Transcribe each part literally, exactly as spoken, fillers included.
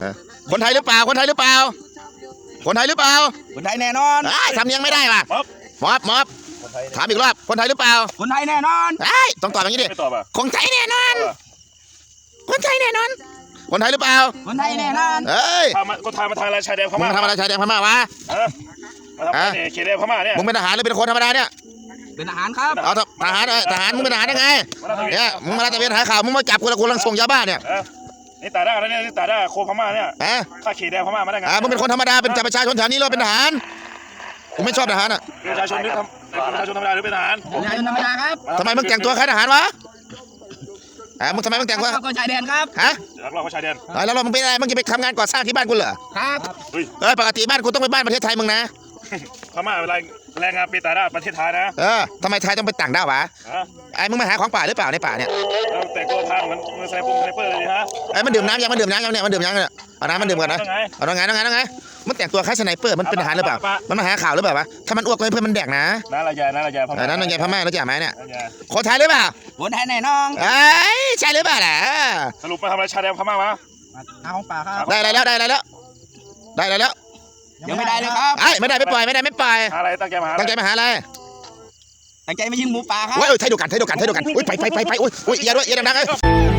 คนไทยหรือเปล่าคนไทยหรือเปล่าคนไทยหรือเปล่าคนไทยแน่นอนทำยังไม่ได้ป่ะมอบมอบถามอีกรอบคนไทยหรือเปล่าคนไทยแน่นอนต้องตอบอย่างนี้ดิคนไทยแน่นอนคนไทยแน่นอนคนไทยหรือเปล่าคนไทยแน่นอนเฮ้ยคนไทยมาทางอะไรชายแดนพม่ามึงทำอะไรชายแดนพม่าวะมาทำอะไรเขตแดนพม่าเนี่ยมึงเป็นทหารหรือเป็นคนธรรมดาเนี่ยเป็นทหารครับเอาทหารทหารมึงเป็นทหารได้ไงเนี่ยมึงมาตะเวนหาข่าวมึงมาจับกูแล้วกูกำลังส่งยาบ้าเนี่ยนี่ตาด้าแล้วเนี่ยนี่ตาด้าโคพม่าเนี่ยถ้าเขตแดนพม่ามาได้ไงมึงเป็นคนธรรมดาเป็นประชาชนแถวนี้เราเป็นทหารกูไม่ชอบทหารอ่ะประชาชนหรือประชาชนธรรมดาหรือเป็นทหารประชาชนธรรมดาครับทำไมมึงแต่งตัวคล้ายทหารวะมึงทำไมมึงแต่งตัวก็ชายแดนครับฮะเราก็ชายแดนแล้วเรามึงเป็นอะไรมึงจะไปทำงานก่อสร้างที่บ้านกูเหรอครับเออปกติบ้านกูต้องไปบ้านประเทศไทยมึงนะพม่าเป็นแรงงานเป็นตาด้าประเทศไทยนะเออทำไมไทยต้องไปต่างด้าววะไอ้มึงมาหาของป่าหรือเปล่าในป่าเนี่ยแต่ตัวทางเหมือนมือสไนเปอร์สไนเปอร์เลยฮะไอ้มันดื่มน้ำยังมันดื่มน้ำยังเนี่ยมันดื่มยังเนี่ยเอาน้ำมันดื่มก่อนนะเอาตรงไงตรงไงตรงไงมันแต่งตัวคล้ายสไนเปอร์มันเป็นทหารหรือเปล่ามันมาหาข่าวหรือเปล่าวะถ้ามันอ้วกก็ให้เพื่อนมันแดกนะนั่นละยายนั่นละยายพม่านั่นละยายพม่าแล้วจ่าไหมเนี่ยคนไทยหรือเปล่าคนไทยแน่นอนไอ้ใช่หรือเปล่าล่ะสรุปมาทำอะไรชายแดนพม่าวะหาของป่าครับได้อะไรแล้วได้อะไรแล้วได้อะไรแล้วยังไม่ได้เลยครับไอ้ไม่ได้ไม่ปล่อยไม่ได้ไม่ปล่อยอะไรตั้งใจมาหาตั้งใจมาหาอะไรตั้งใจมายิงหมูป่าครับโอ้ยไทยเดียวกันไทยเดียวกันไทยเดียวกันอุ้ยไปไปไปไปอุ้ยอุ้ยอย่าด้วยอย่าดังๆเลย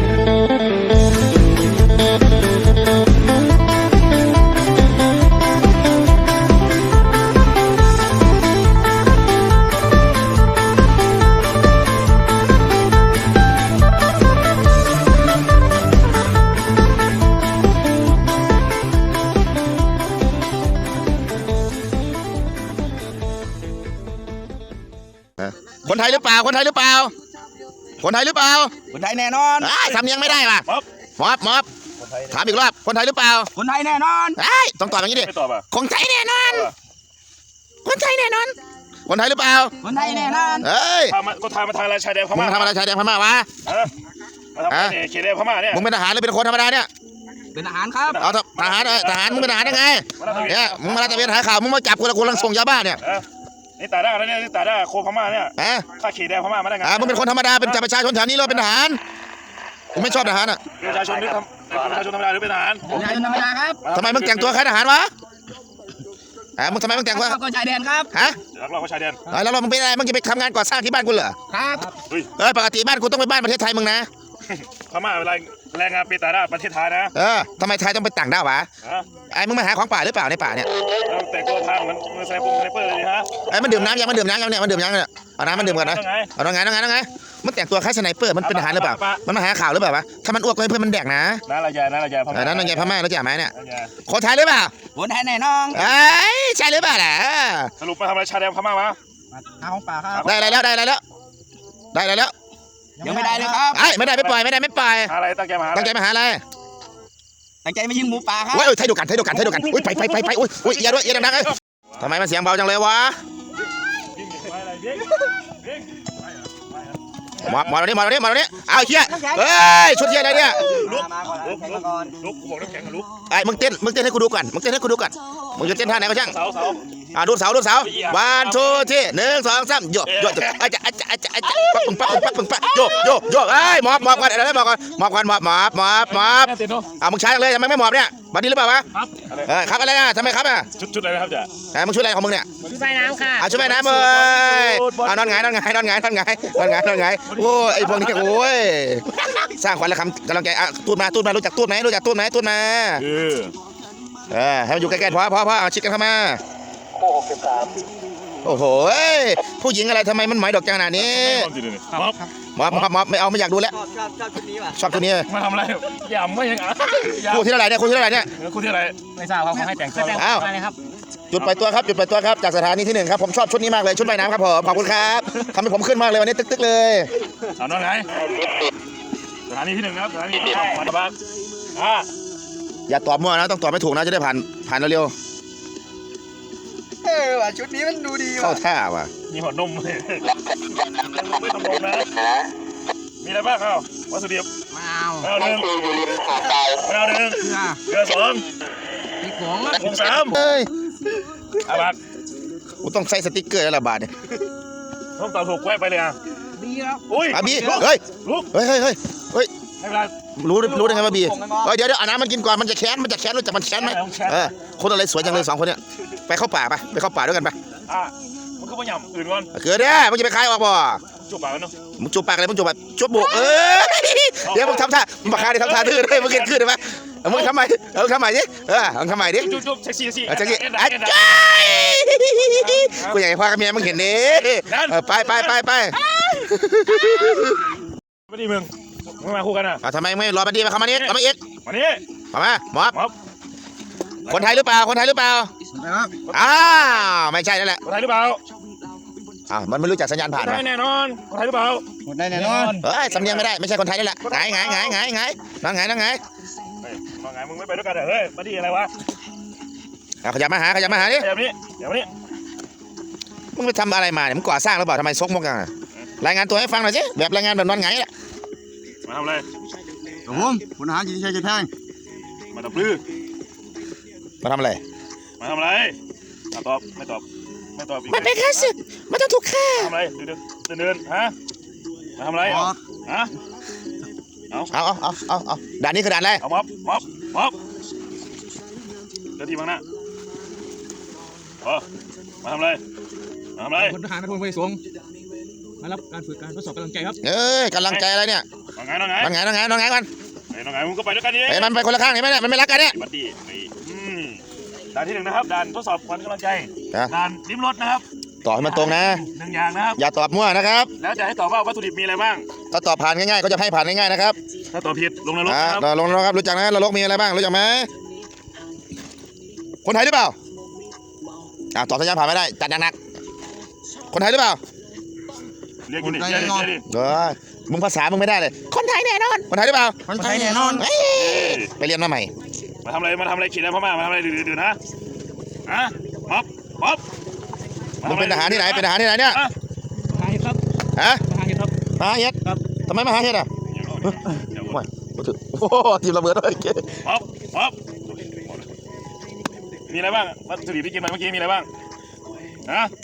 คนไทยหรือเปล่าคนไทยหรือเปล่าคนไทยหรือเปล่าคนไทยแน่นอนทำยังไม่ได้ป่ะมอบมอบถามอีกรอบคนไทยหรือเปล่าคนไทยแน่นอนต้องตอบอย่างนี้ดิคนไทยแน่นอนคนไทยแน่นอนคนไทยหรือเปล่าคนไทยแน่นอนเฮ้ยคนไทยมาทางอะไรชายแดนพม่ามึงทำอะไรชายแดนพม่าวะมาทำอะไรเขตแดนพม่าเนี่ยมึงเป็นทหารหรือเป็นคนธรรมดาเนี่ยเป็นทหารครับเอาทหารทหารมึงเป็นทหารได้ไงเนี่ยมึงมาตะเวนหาข่าวมึงมาจับกูแล้วกูกำลังส่งยาบ้าเนี่ยนี่ตาด้าแล้วเนี่ยนี่ตาด้าโคพม่าเนี่ยถ้าเขตแดนพม่ามาได้ไงมึงเป็นคนธรรมดาเป็นประชาชนแถวนี้เราเป็นทหารกูไม่ชอบทหารอ่ะประชาชนหรือประชาชนธรรมดาหรือเป็นทหารประชาชนธรรมดาครับทำไมมึงแต่งตัวคล้ายทหารวะมึงทำไมมึงแต่งตัวก็ชายแดนครับฮะเราก็ชายแดนแล้วเรามึงเป็นอะไรมึงจะไปทำงานก่อสร้างที่บ้านกูเหรอครับเออปกติบ้านกูต้องไปบ้านประเทศไทยมึงนะพม่าเป็นแรงงานเป็นตาด้าประเทศไทยนะเออทำไมไทยต้องไปต่างด้าววะไอ้มึงมาหาของป่าหรือเปล่าในป่าเนี่ยแต่ตัวทางเหมือนมือสไนเปอร์สไนเปอร์เลยฮะไอ้มันดื่มน้ำยังมันดื่มน้ำยังเนี่ยมันดื่มยังเนี่ยเอาน้ำมันดื่มก่อนนะเอาตรงไงตรงไงตรงไงมันแต่งตัวคล้ายสไนเปอร์มันเป็นทหารหรือเปล่ามันมาหาข่าวหรือเปล่าวะถ้ามันอ้วกก็ให้เพื่อนมันแดกนะนั่นละยายนั่นละยายพม่านั่นละยายพม่าแล้วจ่าไหมเนี่ยคนไทยหรือเปล่าคนไทยแน่นอนไอ้ใช่หรือเปล่าล่ะสรุปมาทำอะไรชายแดนพม่าวะหาของป่าครับได้อะไรแล้วได้อะไรแล้วได้อะไรแล้วยังไม่ได้เลยครับไอ้ไม่ได้ไม่ปล่อยไม่ได้ไม่ปล่อยอะไรตั้งใจมาหาตั้งใจมาหาอะไรตั้งใจมายิงหมูป่าครับโอ้ยไทยเดียวกันไทยเดียวกันไทยเดียวกันอุ้ยไปไปไปไปอุ้ยอุ้ยอย่าด้วยอย่าดังๆเลยทำไมมันเสียงเบาจังเลยวะมามาตรงนี้มาตรงนี้มาตรงนี้เอาเชี่ยเฮ้ยชุดเชี่ยอะไรเนี่ยลุกลุกลุกบอกน้ำแข็งลุกไอ้มึงเต้นมึงเต้นให้กูดูก่อนมึงเต้นให้กูดูก่อนมึงจะเต้นท่าไหนก็ช่างเสาเสาอ่าดูเสาดูเสาวันทูที่หนึ่งสองสามโยกโยกอาจจะอาจจะอาจจะอาจจะปักปักปักปักปักโยกโยกโยกไอ้หมอบหมอบกันอะไรหมอบกันหมอบกันหมอบหมอบหมอบหมอบอ่ามึงใช้เลยทำไมไม่หมอบเนี่ยบัดนี้หรือเปล่าวะเออครับอะไรอ่ะทำไมครับอ่ะชุดชุดอะไรครับจ๊ะเออมึงชุดอะไรของมึงเนี่ยชุดว่ายน้ำค่ะอ่าชุดว่ายน้ำเลยอ่านอนไงนอนไงนอนไงนอนไงนอนไงนอนไงโอ้ไอพวกนี้โอ้ยสร้างขวัญและคำกำลังใจอ่ะตูดมาตูดมารู้จักตูดไหมรู้จักตูดไหมตูดมาเออให้มันอยู่ใกล้ๆพอพอพอเอาชิดกันเข้ามาโอ้โหผู้หญิงอะไรทำไมมันหมายดอกจังขนาดนี้มอบมอบมอบไม่เอาไม่อยากดูแล้วชอบตัวนี้มาทำอะไรยำไม่ยังอ่ะคู่ที่เท่าไหร่เนี่ยคู่ที่เท่าไหร่เนี่ยคู่ที่อะไรไม่ทราบครับให้แต่งตัวอะไรครับจุดไปตัวครับจุดไปตัวครับจากสถานีที่หนึ่งครับผมชอบชุดนี้มากเลยชุดว่ายน้ำครับผมขอบคุณครับทำให้ผมขึ้นมากเลยวันนี้ตึ๊กๆเลยเอาหน่อยไงสถานีที่หนึ่งครับสถานีที่สองมาบ้านอ่าอย่าตอบมั่วนะต้องตอบไม่ถูกนะจะได้ผ่านผ่านเร็วเออว่ะชุดนี้มันดูดีว่ะเข้าท่าว่ะมีหัวนมเลยไม่ต้องลงนะมีอะไรบ้างเอ้าวัตถุดิบมะนาวมะนาวหนึ่งมะนาวหนึ่งเกลือสองพริกผงผงสามเฮ้ยอาบัตกูต้องใส่สติ๊กเกอร์แล้วละบาทเนี่ยต้องตอบถูกแวะไปเลยอ่ะดีครับอุ้ยอาบีเฮ้ยลุกเฮ้ยเฮ้ยเฮ้ยให้เวลารู้รู้ได้ไงว่าบีเอ้ยเดี๋ยวเดี๋ยวเอาน้ำมันกินก่อนมันจะแค้นมันจะแค้นรู้จักมันแค้นไหมเออคนอะไรสวยจังเลยสองคนเนี่ยไปเข้าป่าไปไปเข้าป่าด้วยกันไปอ่ะมันก็ไม่ยำอื่นก่อนเกิดเนี่ยมึงจะไปคายออกบ่จุบปากกันเนาะมึงจูบปากอะไรมึงจูบแบบจูบบุกเออเดี๋ยวมึงทำท่ามึงมาคายดิทำท่าดื้อด้วยมึงเกินขึ้นได้ไหมมึงทำไมเออทำไมดิเออมึงทำไมดิจุบจุบเซ็กซี่สิอาจารย์อาจารย์กูอยากให้พ่อกับเมียมึงเห็นดิไปไปไปไปไม่ดีมึงมึงมาคู่กันอ่ะทำไมไม่รอมาดีมาเข้ามานี้เข้ามาอีกมานี่เข้ามาหมอบม็อบคนไทยหรือเปล่าคนไทยหรือเปล่านะครับอ้าวไม่ใช่นั่นแหละคนไทยหรือเปล่าอ้าวมันไม่รู้จักสัญญาณผ่านคนไทยแน่นอนคนไทยหรือเปล่าหมดได้แน่นอนเอ้ยสำเนียงไม่ได้ไม่ใช่คนไทยนี่แหละไงไงไงไงไงนั่งไงนั่งไงเฮ้ยมาไงมึงไม่ไปด้วยกันเหรอเฮ้ยมาดีอะไรวะขยับมาหาขยับมาหาดิเดี๋ยวนี้เดี๋ยวนี้มึงไปทำอะไรมาเนี่ยมึงก่อสร้างหรือเปล่าทำไมซกมกกันรายงานตัวให้ฟังหน่อยสิแบบรายงานแบบนอนไงแหละมาทำอะไรครับผมคุณหาจิตใจจะแทงมาตบลื้อมาทำอะไรมาทำอะไรอ่ะตอบไม่ตอบไม่ตอบอีกมันเป็นค่าศึกมันต้องถูกฆ่าทำอะไรเดินเดินเดินฮะมาทำอะไรฮะเอาเอาเอาเอาเอาด่านนี้คือด่านอะไรเอาม็อบม็อบม็อบเดินทีบ้างนะเออมาทำอะไรมาทำอะไรพลทหารนพลพลสวงมารับการฝึกการทดสอบกำลังใจครับเอ้ยกำลังใจอะไรเนี่ยน้องไงน้องไงนอนไงนอนไงนอนไงกันไอ้น้องไงมึงก็ไปด้วยกันดิไอ้มันไปคนละข้างเห็นไหมเนี่ยมันไม่รักกันเนี่ยบัดดี้นี่อืมด่านที่หนึ่งนะครับด่านทดสอบขวัญกำลังใจนะด่านลิ้มรสนะครับตอบให้มันตรงนะหนึ่งอย่างนะครับอย่าตอบมั่วนะครับแล้วจะให้ตอบว่าวัตถุดิบมีอะไรบ้างถ้าตอบผ่านง่ายๆก็จะให้ผ่านง่ายๆนะครับถ้าตอบผิดลงนรกอ่านะครับลงนะครับรู้จักนะนรกมีอะไรบ้างรู้จักไหมคนไทยหรือเปล่าอ่าตอบสัญญาณผ่านไม่ได้จัดหนักๆคนไทยหรือเปล่าเรียกกูดิเรียกดิเรียกดิเออมึงภาษามึงไม่ได้เลย คนไทยแน่นอนคนไทยหรือเปล่าคนไทยแน่นอนเอ้ยไปเรียนมาใหม่มาทำอะไรมาทำอะไรขีดอะไรพม่ามาทำอะไรดื้อๆนะฮะม็อบม็อบมึงเป็นทหารที่ไหนเป็นทหารที่ไหนเนี่ยฮะทหารครับฮะทหารครับทหารเฮ็ดครับทำไมมาหาเฮ็ดอ่ะเดี๋ยวโอ้ยโอ้โหทีมระเบิดเลยม็อบม็อบมีอะไรบ้างวัตถุดิบที่กินมาเมื่อกี้มีอะไรบ้างฮะ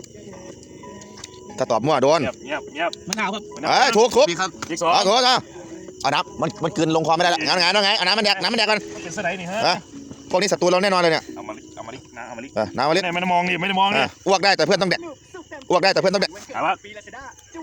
ถ้าตอบมั่วโดนเงียบเงียบเงียบมะนาวครับเอ้ยถูกถูกพี่ครับอีกสองเอาถูกเอาเอาน้ำมันมันกลืนลงคอไม่ได้แล้วงั้นไงงั้นไงเอาน้ำมันแดกน้ำมันแดกกันมันเป็นสไลด์นี่ฮะฮะพวกนี้ศัตรูเราแน่นอนเลยเนี่ยเอามาลิเอามาลินะเอามาลิเออน้ำมาลิไม่ได้มองดิไม่ได้มองดิอ่ะอ้วกได้แต่เพื่อนต้องแดกอ้วกได้แต่เพื่อนต้องแดกถามว่าอะไร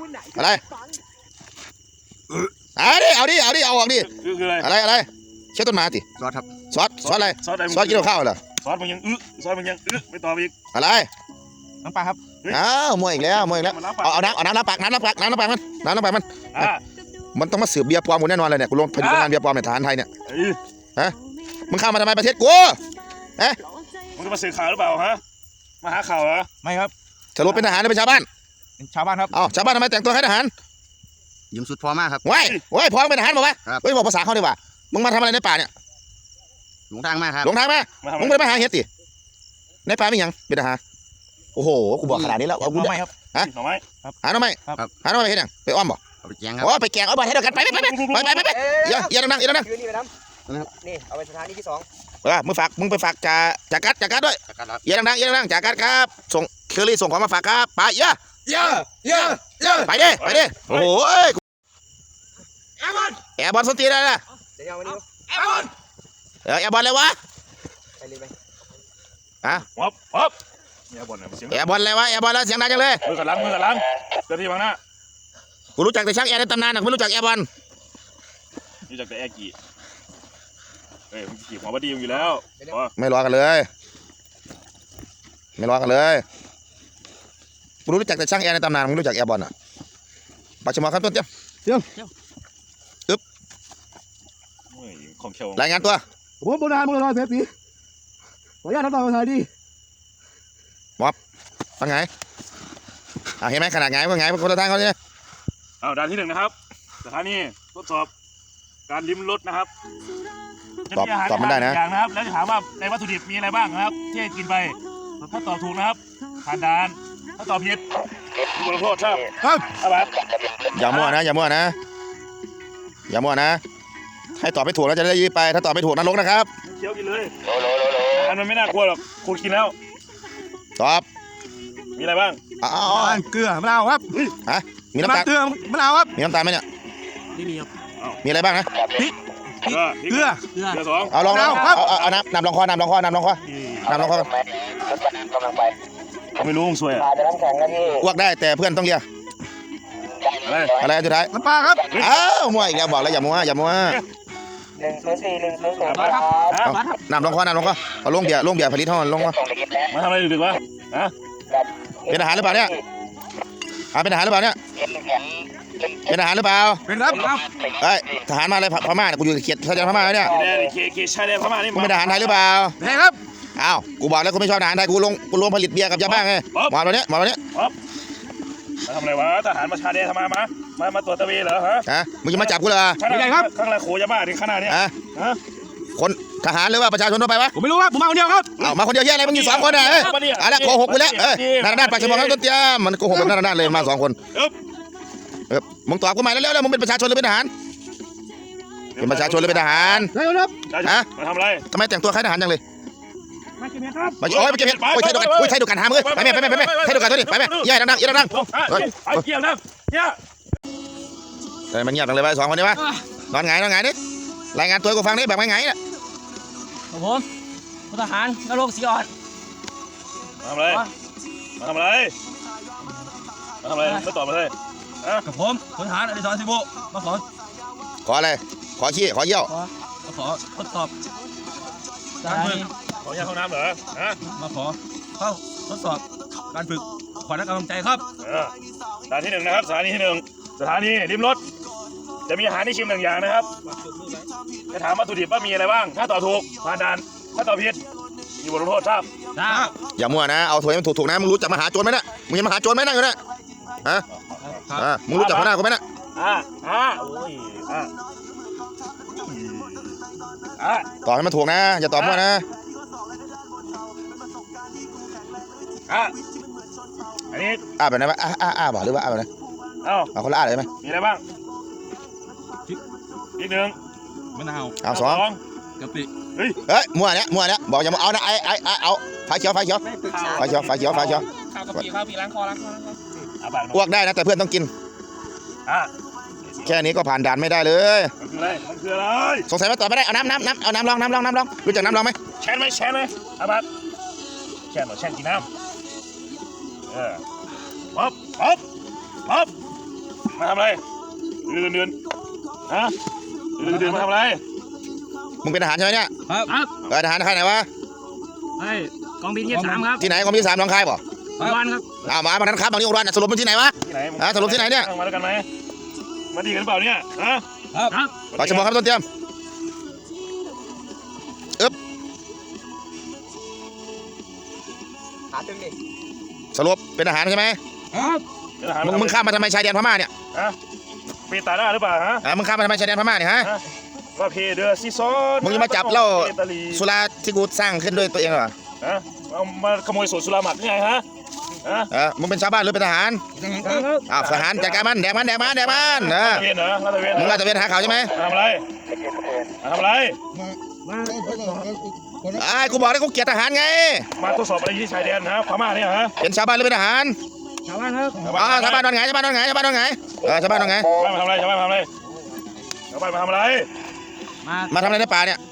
เอาดิเอาดิเอาดิเอาออกดิคือคืออะไรอะไรอะไรเช็ดต้นไม้ติซอสครับซอสซอสอะไรซอสอะไรซอสกินกับข้าวเหรอซอสมันยังอึซอสมันยังอึไม่ตอบอีกอะไรน้ำปลาครับอ้าวมวยอีกแล้วมวยอีกแล้วมันล้างปากเอาเอาน้ำเอาน้ำน้ำปากน้ำน้ำปากน้ำน้ำปากมันน้ำน้ำปากมันอ่ามันต้องมาสืบเบียร์ปลอมกูแน่นอนเลยเนี่ยกูลงพอดีโรงงานเบียร์ปลอมในฐานไทยเนี่ยเอ้ยมึงเข้ามาทำไมประเทศกูมึงจะมาสื่อข่าวหรือเปล่าฮะมาหาข่าวเหรอไม่ครับสรุปเป็นทหารหรือเป็นชาวบ้านเป็นชาวบ้านครับเอ้าชาวบ้านทำไมแต่งตัวให้ทหารยืมสุดพอมากครับว้ายว้ายพร้อมเป็นทหารบอกว่าครับเฮ้ยบอกภาษาเขาดีกว่ามึงมาทำอะไรในป่าเนี่ยหลงทางมากครับหลงทางมามาทำมึงอะไปไรมาหาเฮ็ดติในป่ามีหยังเป็นทหารโอ้โหกูบอกขนาดนี้แล้วเอากูหน่อไม้ครับฮะหน่อไม้หาหน่อไม้ครับหาหน่อไม้ไปเฮ็ดหยังไปอ้อมบ่เอาไปแกงครับโอ้ไปแกงเอาไปให้เดียวกันไปไปไปไปไปไปไปไปอย่าอย่าดังๆอย่าดังคืนนี้ไปน้ำนี่เอาไปสถานีที่สองๆเออมึงฝากมึงไปฝากจ่าจ่ากัดจ่ากัดด้วยจัดการครับอย่าดังๆอย่าดังๆจ่ากัดครับส่งเคอรี่ส่งของมาฝากครับไปเยอะเยอะเยอะเยอะไปดิไปดิโอ้โหเอ้ยแอร์บอลแอร์บอลสนตีได้ละเดี๋ยวเอามาดิแอร์บอลเออแอร์บอลเลยวะไปเลยไปฮะป๊อปป๊อปเนี่ยบ่นเนี่ยเสียงแอร์บอลเลยวะแอร์บอลแล้วเสียงดังจังเลยมือกับหลังมือกับหลังเจ้าที่บังหน้ากูรู้จักแต่ช่างแอร์ในตำนานนะกูไม่รู้จักแอร์บอลรู้จักแต่แอร์กี่เฮ้ยมึงขี่หัวบดีอยู่แล้วอ๋อไม่รอกันเลยไม่รอกันเลยกูรู้จักแต่ช่างแอร์ในตำนานมึงรู้จักแอร์บอลอ่ะปัจจุบันครับต้นเจ้าเฮ้ยของเขียวรายงานตัวผมโบราณโบราณเซฟปีขออนุญาตทำตามภาษาดีฟังไงอ่าเห็นไหมขนาดไงว่าไงว่าคนละทางเขาเนี่ยเอาด่านที่หนึ่งนะครับสถานีทดสอบการลิ้มรสนะครับจะมีอาหารอย่างนะครับแล้วจะถามว่าในวัตถุดิบมีอะไรบ้างนะครับที่ให้กินไปถ้าตอบถูกนะครับผ่านด่านถ้าตอบผิดถูกลงโทษครับครับครับอย่ามั่วนะอย่ามั่วนะอย่ามั่วนะให้ตอบไม่ถูกแล้วจะได้ยื้อไป ถ้าตอบไม่ถูกนรกนะครับเคี้ยวกินเลยอันมันไม่น่ากลัวหรอกคุณกินแล้วตอบมีอะไรบ้างอ๋อเกลือมะนาวครับฮะมีน้ำตาลเกลือมะนาวครับมีน้ำตาลไหมเนี่ยนี่มีครับมีอะไรบ้างนะเกลือเกลือเกลือสองเอาลองเอาเอาเอาเอาน้ำน้ำลองคอน้ำลองคอน้ำลองคอน้ำลองคอไม่รู้มึงซวยอ่ะอ้วกได้แต่เพื่อนต้องเลียอะไรอะไรอันสุดท้ายน้ำปลาครับอ้าวมั่วอีกแล้วบอกแล้วอย่ามั่วอย่ามั่วหนึ่งศูนย์สี่หนึ่งศูนย์ศูนย์มาครับฮะมาครับน้ำลองคอน้ำลองคอเอาลงเบียร์ลงเบียร์ผลิตห้องลงวะมาทำอะไรดึกๆวะฮะเป็นอาหารหรือเปล่าเนี่ยอ่าเป็นอาหารหรือเปล่าเนี่ยเป็นอาหารหรือเปล่าเป็นครับครับเอ้ยทหารมาอะไรพม่าเนี่ยกูอยู่เขียดชายแดนพม่าแล้วเนี่ยแดนเคเคชายแดนพม่านี่กูเป็นทหารไทยหรือเปล่าเป็นครับอ้าวกูบอกแล้วกูไม่ชอบทหารไทยกูลงกูลงผลิตเบียร์กับยาบ้าไงหมอตัวเนี้ยหมอตัวเนี้ยมาทำอะไรวะทหารมาชายแดนทำไมมามามาตรวจตะเวนเหรอฮะฮะมึงจะมาจับกูเหรอข้างหลังโขยาบ้าถึงขนาดนี้ฮะฮะคนทหารหรือว่าประชาชนทั่วไปวะผมไม่รู้ครับผมมาคนเดียวครับเอามาคนเดียวแย่อะไรมึงอยู่สองคนอ่ะเอ้ยอะไรโกหกกูแล้วเอ้ยนาด้านปากชมองข้างต้นเตี้ยมันโกหกแบบนาด้านเลยมาสองคนเอ๊บเออมึงตอบกูใหม่แล้วแล้วมึงเป็นประชาชนหรือเป็นทหารเป็นประชาชนหรือเป็นทหารได้ครับฮะมาทำอะไรทำไมแต่งตัวคล้ายทหารจังเลยมากินครับมาโอ้ยไปเก็บเห็ดโอ้ยใช่ดูกันโอ้ยใช่ดูกันหามเลยไปแม่ไปแม่ไปแม่ใช่ดูกันตัวนี้ไปแม่ย่าดังๆย่าดังเฮ้ยไอ้เกี่ยวนะเนี่ยๆแต่มันเงียบจังเลยไปสองคนนี้วะนอนไงนอนไงนี่รายงานตัวกูฟังนี่แบบไงๆน่ะครับผมพลทหารนรกสีอ่อนมาทำอะไรมาทำอะไรมาทำอะไรไม่ตอบมาเลยกับผมพลทหารอดิศรศิบุมาขอขออะไรขอขี้ขอเยี่ยวมาขอทดสอบสถานีขอแยกห้องน้ำเหรอฮะมาขอเข้าทดสอบการฝึกขวัญและกำลังใจครับเออสถานที่หนึ่งนะครับสถานีที่หนึ่งสถานีริมรถจะมีอาหารให้ชิมหนึ่งอย่างนะครับจะถามวัตถุดิบว่ามีอะไรบ้าง ถ้าตอบถูกผ่านด่านถ้าตอบผิดมีบทลงโทษครับครับอย่ามั่วนะเอาถวยมันถูกๆนะมึงรู้จักมหาโจรไหมน่ะมึงเห็นมหาโจรไหมนั่งอยู่น่ะฮะอ่ามึงรู้จักหัวหน้ากูไหมน่ะอ่าอ่าโอ้ยอ่าอ่าตอบให้มันถูกนะอย่าตอบมั่วนะอ่าอันนี้อ่าแบบไหนวะอ่าอ่าอ่าบอกหรือว่าอ่าแบบไหนเอ้าเอาคนละอ่าเลยไหมมีอะไรบ้างอีกหนึ่งมะนาวเอาสองกะปิเฮ้ยมั่วเนี่ยมั่วเนี่ยบอกอย่ามาเอานะไอ้ไอ้ไอ้เอาไฟเขียวไฟเขียวไฟเขียวไฟเขียวไฟเขียวข้าวกะปิข้าวปีล้างคอล้างคอล้างคออ่าบาทอ้วกได้นะแต่เพื่อนต้องกินอ่าแค่นี้ก็ผ่านด่านไม่ได้เลยมันคืออะไรมันคืออะไรสงสัยว่าตอบไม่ได้เอาน้ำน้ำน้ำเอาน้ำลองน้ำลองน้ำลองรู้จักน้ำลองไหมแชนไหมแชนไหมอาบัตแชนเหรอแชนกินน้ำเออป๊อปป๊อปป๊อปมาทำอะไรเดือนเดือนฮะเดือนเดือนมาทำอะไรมึงเป็นทหารใช่ไหมเนี่ยครับครับเออทหารค่ายไหนวะไอ้กองบินยี่สิบสามครับที่ไหนกองบินสามหนองคายบ่วันครับอ้าวมาวันนั้นครับบางนี้องค์รันสรุปเป็นที่ไหนวะที่ไหนอ่ะสรุปที่ไหนเนี่ยมาด้วยกันไหมมาดีกันหรือเปล่าเนี่ยฮะครับปากชมองครับต้นเตรียมอึ๊บหาตึงดิสรุปเป็นทหารใช่ไหมครับเป็นทหารมึงมึงข้ามมาทำไมชายแดนพม่าเนี่ยฮะปีตาหน้าหรือเปล่าฮะอ่ะมึงข้ามมาทำไมชายแดนพม่าเนี่ยฮะว่าเพเดอร์ซีซอนมึงจะมาจับเหล้าตาลีสุราที่กูสร้างขึ้นด้วยตัวเองเหรอฮะเอามาขโมยสูตรสุราหมักนี่ไงฮะฮะเออมึงเป็นชาวบ้านหรือเป็นทหารครับอ้าวทหารจัดการมันแดกมันแดกมันแดกมันเออลาดตระเวนเหรอลาดตระเวนเหรมึงอลาดตระเวนหาข่าวใช่ไหมมาทำอะไรมาทำอะไรไอ้กูบอกแล้วกูเกลียดทหารไงมาทดสอบอะไรที่ชายแดนฮะพม่าเนี่ยฮะเป็นชาวบ้านหรือเป็นทหารชาวบ้านครับอ๋อชาวบ้านนอนไงชาวบ้านนอนไงชาวบ้านนอนไงเออชาวบ้านนอนไงชาวบ้านมาทำอะไรชาวบ้านมาทำอะไรชาวบ้านมาทำอะไรมามาทำอะไรในป่าเนี่ย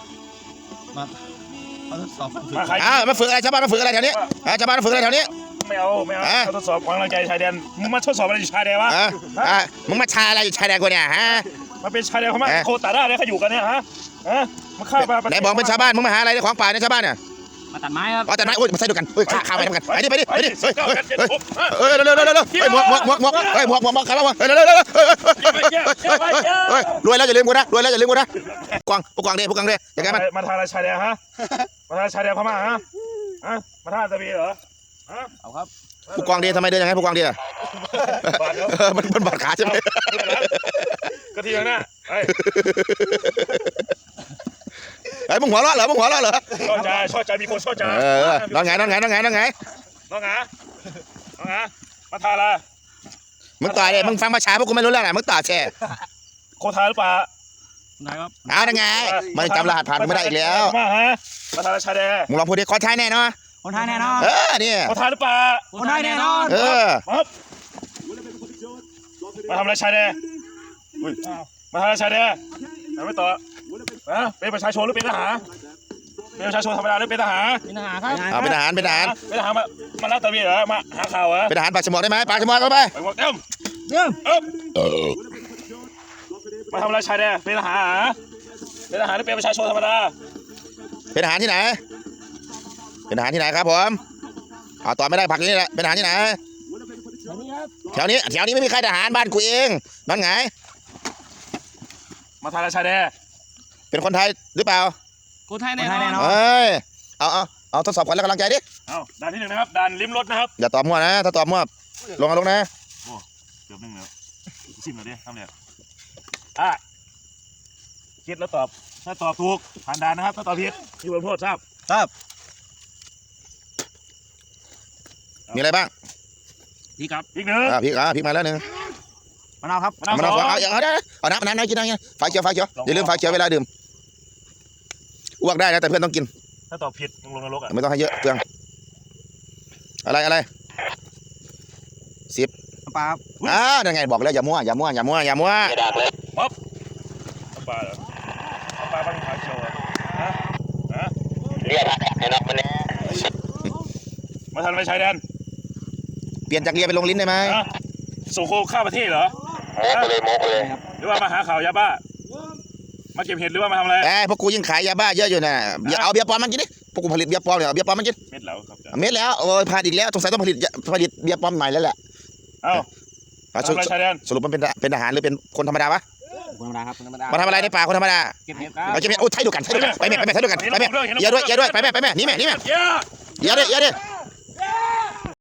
เอาทดสอบการฝึกมาใครอ้าวมาฝึกอะไรชาวบ้านมาฝึกอะไรแถวนี้เออชาวบ้านมาฝึกอะไรแถวนี้ไม่เอาไม่เอาอ่ะเอาทดสอบความกำลังใจชายแดนมึงมาทดสอบอะไรอยู่ชายแดนวะเอออ่ะมึงมาชาอะไรอยู่ชายแดนกูเนี่ยฮะมาเป็นชายแดนพม่าอ่ะโคตาด้าเนี่ยเขาอยู่กันเนี่ยฮะฮะมาฆ่าปลาไหนบอกเป็นชาวบ้านมึงมาหาอะไรในของป่าในชาวบ้านเนี่ยมาตัดไม้ครับอ๋อแต่ไหนโอ้ยมาใส่ดูกันเฮ้ยข้าข้าไปทำกันไปดิไปดิไปดิเฮ้ยเก้าเฮ้ยกันเจ็ดเฮ้ยหกฮะเฮ้ยเร็วเร็วเร็วเร็วเร็วเฮ้ยหมวกหมวกหมวกหมวกเฮ้ยหมวกหมวกหมวกใครบ้างวะเฮ้ยเร็วเร็วเร็วเร็วเฮ้ยเฮ้ยเฮ้ยรวยแล้วอย่าลืมกูนะรวยแล้วอย่าลืมกูนะกวางผู้กวางเด้ผู้กวางเด้อย่างไงมันมาทางอะไรชายแดนฮะมาทางชายแดนพม่าฮะฮะมาทางตะบีเหรอฮะเอาครับผู้กวางเด้ทำไมเดินอย่างนั้นผู้กวางเด้อะบาดแล้วเออมันมันบาดขาใช่ไหมก็ทีนั้นไอ้ไอ้ยมึงหัวเราะเหรอมึงหัวเราะเหรอชอบใจชอบใจมีคนชอบใจเออนอนไงนอนไงนอนไงนอนไงน้องหาน้องหามาทาละมึงต่อยเลยมึงฟังภาษาพวกกูไม่รู้เรื่องอะมึงต่อแช่โคทาหรือเปล่านายครับเอาได้ไงมันจำรหัสผ่านกูไม่ได้อีกแล้วมาฮะมาทาละชายแดนมึงลองพูดดิขอใช้แน่เนอนคนไทยแน่นอนเออเนี่ยโคทาหรือเปล่าคนไทยแน่นอนเออปั๊บมาทำอะไรชายแดนอุ้ยมาทางชายแดนทำไม่ต่อนะเป็นประชาชนหรือเป็นทหารเป็นประชาชนธรรมดาหรือเป็นทหารเป็นทหารครับเอาเป็นทหารเป็นทหารเป็นทหารมามาลาดตระเวนเหรอมาหาข่าวเหรอเป็นทหารปากฉมวกได้ไหมปากฉมวกเข้าไปไปหมดเต็มเริ่มเอ้มมาทำอะไรชายแดนเป็นทหารเป็นทหารหรือเป็นประชาชนธรรมดาเป็นทหารที่ไหนเป็นทหารที่ไหนครับผมเอาต่อไม่ได้ผักอยู่นี่แหละเป็นทหารที่ไหนแบบนี้ครับแถวนี้แถวนี้ไม่มีใครทหารบ้านกูเองนั่นไงมาทางชายแดนเป็นคนไทยหรือเปล่าคนไทยแน่นอนเอ้ยเอาเอาเอาทดสอบก่อนแล้วกำลังใจดิเอาด่านที่หนึ่งนะครับด่านลิ้มรสนะครับอย่าตอบมั่วนะถ้าตอบมั่วลงเอาลงนะเกือบหนึ่งแล้วชิมหน่อยดิทำเนี่ยอ่ะคิดแล้วตอบถ้าตอบถูกผ่านด่านนะครับถ้าตอบผิดมีบทลงโทษทราบครับมีอะไรบ้างพี่ครับอีกหนึ่งอ่าพริกอ่าพริกมาแล้วหนึ่งมะนาวครับมะนาวมะนาวสสอองงเอาเอาได้เอาน้ำน้ำน้ำกินน้ำกินฝาเขียวฝาเขียวอย่าลืมฝาเขียวเวลาดื่มอ้วกได้นะแต่เพื่อนต้องกินถ้าตอบผิดลงลงนรกอ่ะไม่ต้องให้เยอะเปลืองอะไรอะไรสิบน้ำปลาครับอ่านั่นไงบอกแล้วอย่ามั่วอย่ามั่วอย่ามั่วอย่ามั่วน้ำปลาเหรอน้ำปลาบ้านขาวเขียวเหรอฮะฮะเรียกให้นับมันเนี่ยมาทำอะไรชายแดนเปลี่ยนจากเรียนไปลงลิ้นได้ไหมฮะส่งโคข้ามประเทศเหรอโมกไปเลยโมกไปเลยหรือว่ามาหาข่าวยาบ้ามาเก็บเห็ดหรือว่ามาทำอะไรเอ้ยพวกกูยิ่งขายยาบ้าเยอะอยู่นะอย่าเอาเบียร์ปลอมมันกินดิพวกกูผลิตเบียร์ปลอมเลยเอาเบียร์ปลอมมันกินเม็ดเหลาครับอาจารย์เม็ดแล้วโอ้ยพลาดอีกแล้วสงสัยต้องผลิตผลิตเบียร์ปลอมใหม่แล้วแหละเอ้าอ่ะทำอะไรชายแดนสรุปมันเป็นเป็นทหารหรือเป็นคนธรรมดาวะคนธรรมดาครับคนธรรมดามาทำอะไรในป่าคนธรรมดาเก็บเห็ดครับเอาเก็บเห็ดโอ้ใช่ดูกันใช่ดูกันไปแม่ไปแม่ใช่ดูกันไปแม่อย่าด้วยอย่าด้วยไปแม่ไปแม่หนี่แม่หนี่แม่เย้อย่าด้วยอย่าด้วย